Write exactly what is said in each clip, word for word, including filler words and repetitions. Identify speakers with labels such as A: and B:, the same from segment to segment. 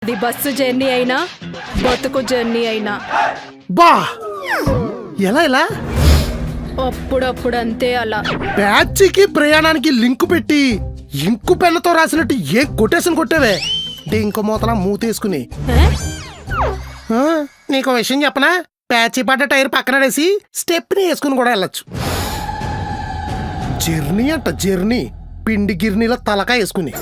A: అది bus journey అయినా బతుకు జర్నీ అయినా
B: బా ఎలా ఎలా
A: అప్పుడప్పుడు అంతే అలా.
B: బ్యాచ్కి ప్రయాణానికి లింకు పెట్టి ఇంకు పెన్నతో రాసినట్టు ఏ కొటేషన్ కొట్టావే ఇంకో మూతలా మూతేసుకుని.
A: ఏ?
B: ఆ, నీకు విషయం చెప్పనా, ప్యాచి పడ్డ టైర్ పక్కనడేసి స్టెప్ని వేసుకుని కూడా వెళ్ళొచ్చు. జర్నీ అంట జర్నీ, పిండి గిర్నీలో తలకా వేసుకుని.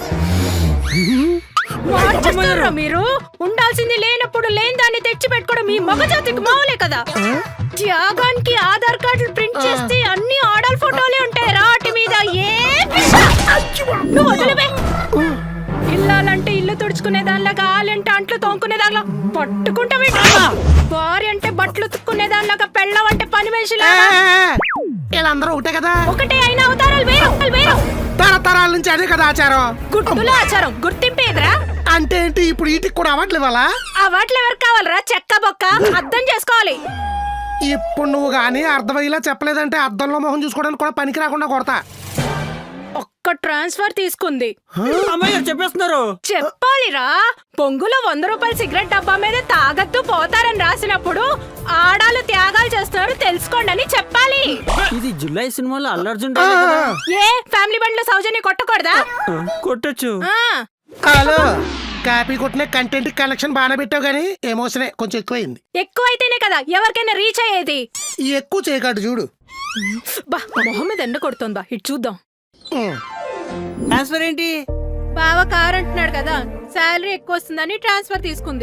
A: మార్చేస్తారా మీరు? ఉండాల్సింది లేనప్పుడు లేని దాన్ని తెచ్చి పెట్టుకోవడం మీ మగజాతికి మావులే కదా. త్యాగానికి ఆధార్ కార్డులు ప్రింట్ చేస్తే అన్ని ఆడల్ ఫోటోలే ఉంటాయి రాటి మీద. ఏ నువ్వు వదిలివే. ఇల్లాలంటే ఇల్లు తుడుచుకునే దానిలాగా, ఆలంటే అంట్లు తోముకునే దానిలా పట్టుకుంటావే. భార్య అంటే బట్టలు ఉతుక్కునే దానిలాగా, పెళ్ళం అంటే పని మనిషిలా.
B: వీళ్ళందరూ ఒకటే కదా,
A: ఒకటే అయినా అవతారాలు వేరు వేరు.
B: తరతరాల నుంచి అదే కదా ఆచారం.
A: గుర్తుల ఆచారం గుర్తింపు ఎదురా
B: అంటే ఏంటి, ఇప్పుడు వీటికి కూడా అవ్వట్లేదు అలా.
A: ఆ వాటిలో ఎవరు కావాలరా? చెక్క బొక్క అర్థం చేసుకోవాలి.
B: ఇప్పుడు నువ్వు గానీ అర్థమయ్యేలా చెప్పలేదంటే అద్దంలో మొహం చూసుకోవడానికి కూడా పనికి రాకుండా కొడతా.
A: ఒక్క ట్రాన్స్ఫర్ తీసుకుంది
C: అమ్మయ్య చెప్పేస్తున్నారు.
A: చెప్పాలిరా. పొంగులో వంద రూపాయల సిగరెట్ డబ్బా మీద తాగద్దు పోతారని రాసినప్పుడు ఆడాలు త్యాగాలు చేస్తున్నారు తెలుసుకోండి అని చెప్పాలి.
C: ఇది జులై సినిమాలో అల్లు అర్జున్
A: ఏ ఫ్యామిలీ బండ్లో సౌజన్య కొట్టకూడదా?
C: కొట్టచ్చు.
A: ఆ,
B: హలో, కాపీ కొట్టిన కంటెంట్ కలెక్షన్ బాగానే పెట్టావు కానీ ఎమోషనే కొంచెం ఎక్కువైంది.
A: ఎక్కువైతేనే కదా ఎవరికైనా రీచ్ అయ్యేది.
B: ఎక్కువ చేయకాడు చూడు.
A: బా మొహం మీద ఎండ కొడుతుందా, ఇటు చూద్దాం.
B: ఉమ్.
C: ట్రాన్స్ఫర్ ఏంటి?
A: బావ కార్ అంటున్నాడు కదా, శాలరీ ఎక్కువ వస్తుందని ట్రాన్స్ఫర్ తీసుకుంది.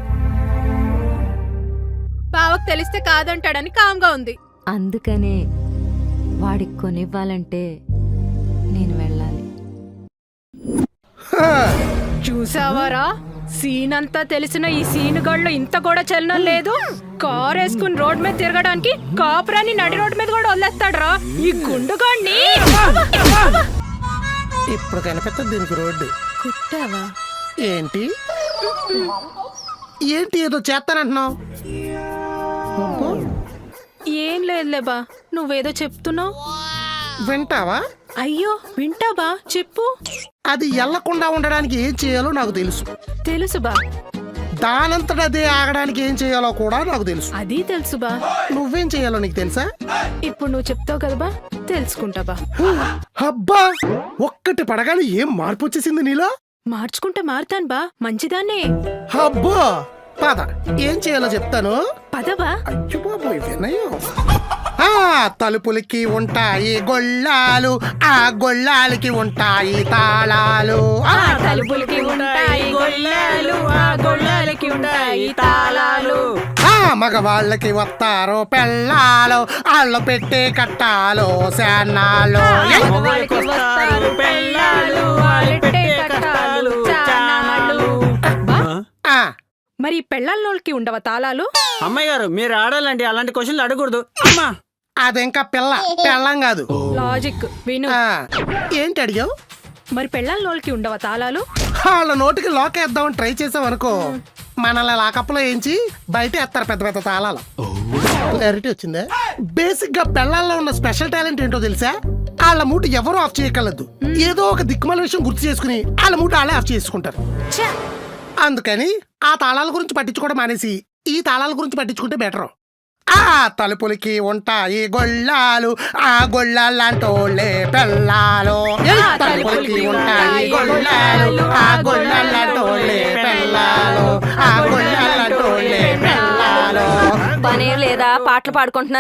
A: బావకు తెలిస్తే కాదంటాడని కామ్గా ఉంది.
D: అందుకనే వాడికి కొనివ్వాలంటే నేను వెళ్ళాలి.
B: హా.
A: చూసావారా, సీన్ అంతా తెలిసిన ఈ సీన్ గళ్ళు ఇంత కూడా చలనం లేదు. కార్ వేసుకుని రోడ్ మీద తిరగడానికి కాపురాన్ని నడి రోడ్ మీద కూడా వదిలేస్తాడ్రా ఈ గుండుగాడిని.
B: ఇప్పుడు కనిపిస్తుంది దీనికి రోడ్డు.
A: కుట్టావా
B: ఏంటి ఏంటి ఏదో చేస్తానంటున్నావు? అబ్బో,
A: ఏం లేదులే బా, నువ్వేదో చెప్తున్నావు.
B: వింటావా?
A: అయ్యో వింటావా, చెప్పు.
B: అది ఎల్లకుండా ఉండడానికి ఏం చేయాలో నాకు తెలుసు.
A: తెలుసు బా.
B: దానంతట అదే ఆగడానికి ఏం చేయాలో కూడా నాకు తెలుసు.
A: అది తెలుసు బా.
B: నువ్వేం చేయాలో నీకు తెలుసా?
A: ఇప్పుడు నువ్వు చెప్తావు కదా బా, తెలుసుకుంటా బా.
B: అబ్బా, ఒక్కటి పడగానే ఏం మార్పు వచ్చేసింది నీలో.
A: మార్చుకుంటే మారుతాను బా, మంచిదాన్నే.
B: అబ్బో, పద ఏం చేయాలో చెప్తాను.
A: పదవా.
B: అయ్యో బాబోయ్, వినయం. ఆ తలుపులకి ఉంటాయి గొళ్ళాలు, ఆ గొళ్ళాలకి ఉంటాయి తాళాలు.
A: ఆ తలుపులకి ఉంటాయి గొల్లాలు, ఆ గొల్లాలకి ఉంటాయి తాళాలు.
B: ఆ మగవాళ్ళకి వస్తారు పెళ్ళాలు, వాళ్ళు పెట్టే కట్టాలు శానాలు.
A: మగవాళ్ళకి వస్తారు పెళ్ళాలు, వాళ్ళు పెట్టే కట్టాలు చానాలు. బా,
B: ఆ,
A: మరి పెళ్ళాల్లోకి ఉండవా తాళాలు?
C: అమ్మాయి గారు మీరు ఆడాలంటే అలాంటి క్వశ్చన్లు అడగకూడదు. అమ్మా
B: అదింకా పిల్ల పెళ్ళం కాదు.
A: లాజిక్ విను.
B: ఆ, ఏంటి అడిగావు?
A: మరి పెళ్ళాల్లోకి ఉండవా తాళాలు?
B: వాళ్ళ నోటికి లోకేద్దామని ట్రై చేసాం అనుకో, మనల్ని లాకప్లో వేయించి బయట ఎత్తారు పెద్ద పెద్ద తాళాలు. క్లారిటీ వచ్చిందా? బేసిక్ గా పెళ్ళాల్లో ఉన్న స్పెషల్ టాలెంట్ ఏంటో తెలుసా? వాళ్ళ మూట ఎవరు ఆఫ్ చేయగలదు. ఏదో ఒక దిక్కుమాల విషయం గుర్తు చేసుకుని వాళ్ళ మూట వాళ్ళే ఆఫ్ చేసుకుంటారు.
A: ఛ!
B: అందుకని ఆ తాళాల గురించి పట్టించుకోవడం మానేసి ఈ తాళాల గురించి పట్టించుకుంటే బెటర్. ఆ తలుపులకి ఉంటాయి గొళ్ళాలు, ఆ గొళ్ళాలంటోళ్ళే పెళ్ళాలు. ఏ తలుపులకి ఉంటాయి గొళ్ళాలు, ఆ గొళ్ళాలంటోళ్ళే పెళ్ళాలు, ఆ గొళ్ళాలంటోళ్ళే పెళ్ళాలు.
D: పనే లేదా పాటలు పాడుకుంటున్నారు.